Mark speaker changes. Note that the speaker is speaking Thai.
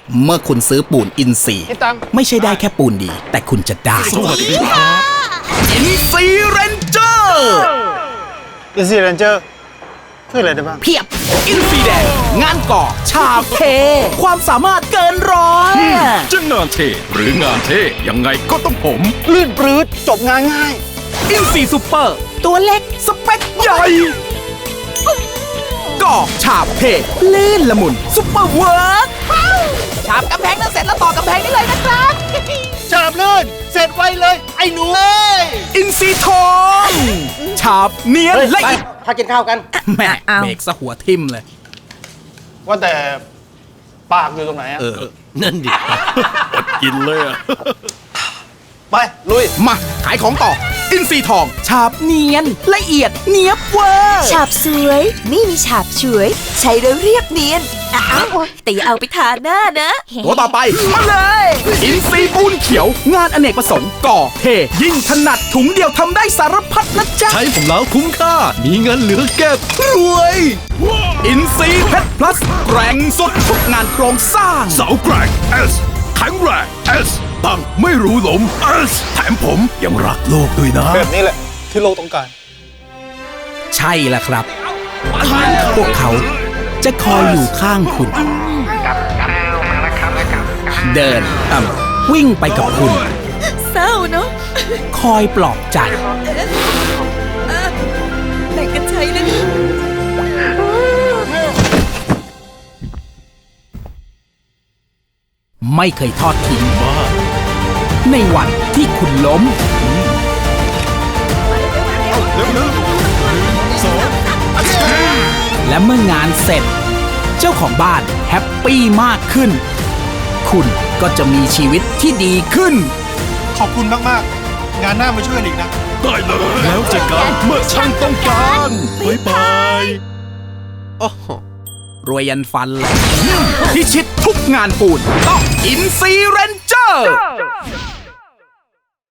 Speaker 1: เมื่อคุณซื้อปูนอินทรีย์ไม่ใช่ได้แค่ปูนดี แต่คุณจะได้อินทรีย์เรนเจอร์
Speaker 2: อินซีเรนเจอร์ช่วยอะไรได้บ้าง
Speaker 1: เพียบอินทรีย์แดงงานก่อฉาบเท ความสามารถเกินร้อย
Speaker 3: จะงานเทหรืองานเทยังไงก็ต้องผม
Speaker 2: ลื่นปลื้ดจบงานง่าย
Speaker 1: อินซีซูเปอร์ ตัวเล็กสเปคใหญ่ก่อฉาบเทลื่นละมุนซุปเปอร์เวิร์กฉาบกำแพงนั้นเสร็จแล้วต่อกำแพงนี้เลยนะครับ
Speaker 2: ฉาบลื่นเสร็จไวเลยไอ้หนูเอ้ย
Speaker 1: อินซีทองฉาบเนียนละเอียด
Speaker 2: พากินข้าวกัน
Speaker 1: แม่เบรกซะหัวทิ่มเลย
Speaker 2: ว่าแต่ปากอยู่ตรงไหนอะ
Speaker 3: นั่นดิ อดกินเลยอะ
Speaker 2: ไปลุย
Speaker 1: มาขายของต่อ อินซีทองฉาบเนียนละเอียดเนียบเวอร์
Speaker 4: ฉาบสวยนี่มีฉาบฉวย ใช้แล้วเรียบเนียนอ้าวแต่อย่าเอาไปทาหน้านะ
Speaker 1: ตัวต่อไปมาเลย อินซีปูนเขียว งานอเนกประสงค์ก่อเทยิ่งถนัดถุงเดียวทำได้สารพัดนะจ๊ะ
Speaker 3: ใช้ผมแล้วคุ้มค่า มีเงินเหลือเก็บ
Speaker 1: รวยอินซีเพชรพลัสแกร่งสุดทุกงานโครงสร้าง
Speaker 3: เสาแกร่ง S แข็งแรง S ตั้งไม่รู้หลม S แถมผมยังรักโลกด้วยนะ
Speaker 2: แบบนี้แหละที่โลกต้องการ
Speaker 1: ใช่แล้วครับ พวกเขาจะคอยอยู่ข้างคุณ เดินวิ่งไปกับคุณ
Speaker 4: เศร้าเนาะ
Speaker 1: คอยปลอบใจ
Speaker 4: แบ่งกันใช้เลย
Speaker 1: ไม่เคยทอดทิ้งในวันที่คุณล้ม และเมื่องานเสร็จ เจ้าของบ้านแฮปปี้มากขึ้น คุณก็จะมีชีวิตที่ดีขึ้น
Speaker 2: ขอบคุณมากๆ งานหน้ามาช่วยอีกนะ
Speaker 3: ได้เลย แล้วเจอกันเมื่อช่างต้องการบ๊ายบาย
Speaker 1: รวยยันฟันเลย พิชิตทุกงานปูนต้องอินซีเรนเจอร์